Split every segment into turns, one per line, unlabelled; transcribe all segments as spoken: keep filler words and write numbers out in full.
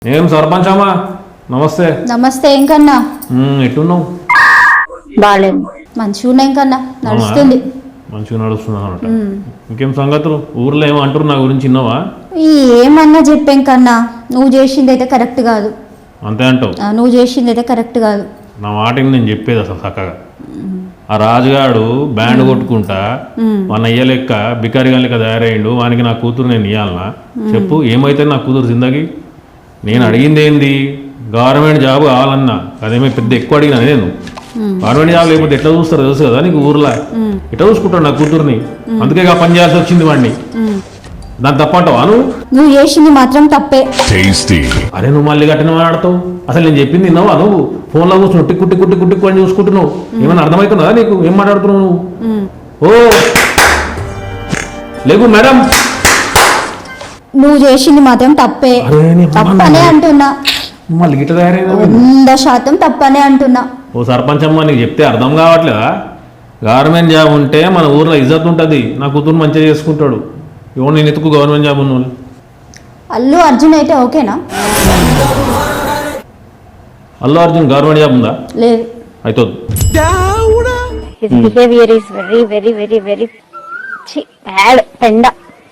ఏం సర్పంచ్ అమ్మా నమస్తే.
నమస్తే. ఏం కన్నా
ఎట్టున్నావు?
బాగాలేదు. మంచిగా ఉన్నాయి కన్నా, నడుస్తుంది.
మంచిగా నడుస్తుంది అన్నమాట. ఇంకేం సంగతులు? ఊర్లో ఏమో అంటారు నా గురించి విన్నావా?
ఏమన్నా చెప్పాం కన్నా, నువ్వు చేసింది అయితే కరెక్ట్ కాదు.
అంతే అంటావు?
నువ్వు చేసింది అయితే కరెక్ట్ కాదు.
నా మాట నేను చెప్పేది అసలు చక్కగా. ఆ రాజుగాడు బ్యాండ్ కొట్టుకుంటా మన అయ్య లెక్క బికారిగా లెక్క తయారయ్యిండు. వానికి నా కూతురు నేను ఇవ్వాలనా? చెప్పు, ఏమైతే నా కూతురు జిందగీ? నేను అడిగింది ఏంది? గవర్నమెంట్ జాబ్ కావాలన్నా. అదేమో పెద్ద ఎక్కువ అడిగినా నేను. గవర్నమెంట్ జాబ్ లేకపోతే ఎట్లా చూస్తారో తెలుసు కదా నీకు. ఊర్లో ఎట్లా చూసుకుంటాడు నా కూతుర్ని. అందుకే పని చేయాల్సి వచ్చింది వాడిని. దాన్ని తప్పంటావా నువ్వు?
నువ్వు చేసింది మాత్రం తప్పే.
అరే నువ్వు మళ్ళీ గట్టిన మాట్లాడతావు. అసలు నేను చెప్పింది విన్నావా నువ్వు? ఫోన్లో కూర్చుని టిక్కు టిక్కు టిక్కు టిక్కు అని చూసుకుంటున్నావు. ఏమైనా అర్థమవుతుందా నీకు? ఏం మాట్లాడుతున్నావు నువ్వు? ఓ లేకు మేడం,
నువ్వు చేసింది మాత్రం తప్పే. తప్పనే అంటున్నా.
మళ్ళీ గిట్ట తయారైంది.
వంద శాతం తప్పనే అంటున్నా.
ఓ సర్పంచ్ అమ్మ, నీకు చెప్తే అర్థం కావట్లేదా? గవర్నమెంట్ జాబ్ ఉంటే మన ఊర్లో ఇజ్జత్ ఉంటుంది. నా కూతురు మంచిగా చేసుకుంటాడు. ఎవరు నేను ఎత్తుకు గవర్నమెంట్ జాబ్ ఉన్న వాళ్ళు.
అల్లు అర్జున్ అయితే ఓకేనా?
అల్లు అర్జున్ గవర్నమెంట్ జాబ్ ఉందా?
లేదు.
అయితే
His behavior is very, very, very, very bad. Penda.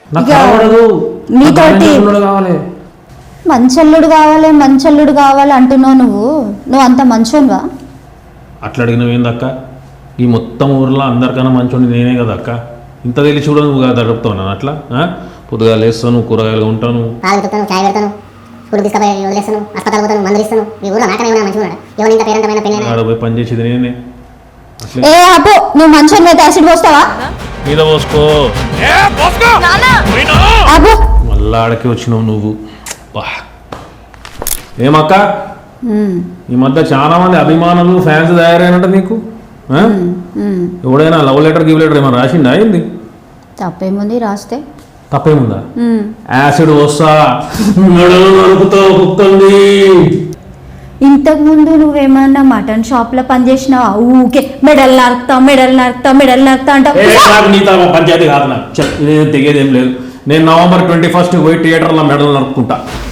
నీతోటి మంచల్లుడు కావాలి మంచల్లుడు కావాలి అంటున్నావు నువ్వు. నువ్వు అంత మంచోనువా?
అట్లా అడిగినవి ఏందక్క? ఈ మొత్తం ఊర్లో అందరికన్నా మంచోండి నేనే కదా అక్క. ఇంత తెలిసి కూడా నువ్వు కదా గడుపుతావు నన్ను అట్లా. పొద్దుగా లేస్తాను, కూరగాయలు ఉంటాను, పోయి పని చేసేది నేనే.
నువ్వు మంచోని మీద యాసిడ్ పోస్తావా?
మీద పోసుకో. మళ్ళా ఆడకి వచ్చినావు నువ్వు. ఏమక్క, ఈ మధ్య చాలా మంది అభిమానులు ఫ్యాన్స్ తయారైనట్ట నీకు. ఎవడైనా లవ్ లెటర్ గివ్ లెటర్ ఏమైనా రాసిండా? ఏంది?
తప్పేముంది రాస్తే?
తప్పేముందా? యాసిడ్ వస్తా నడుపుతావు కుక్కంది.
ఇంతకు ముందు నువ్వేమన్నా మటన్ షాప్ లో పనిచేసినావా? ఊకే మెడల్ నరుకుతా మెడల్ నరుకుతా మెడల్ నరుకుతా అంటావు.
నీతో పంచాయతీ కాదు నాకు. తెగేది ఏం లేదు. నేను నవంబర్ ట్వంటీ ఫస్ట్ పోయి థియేటర్లో మెడల్ నరుక్కుంటా.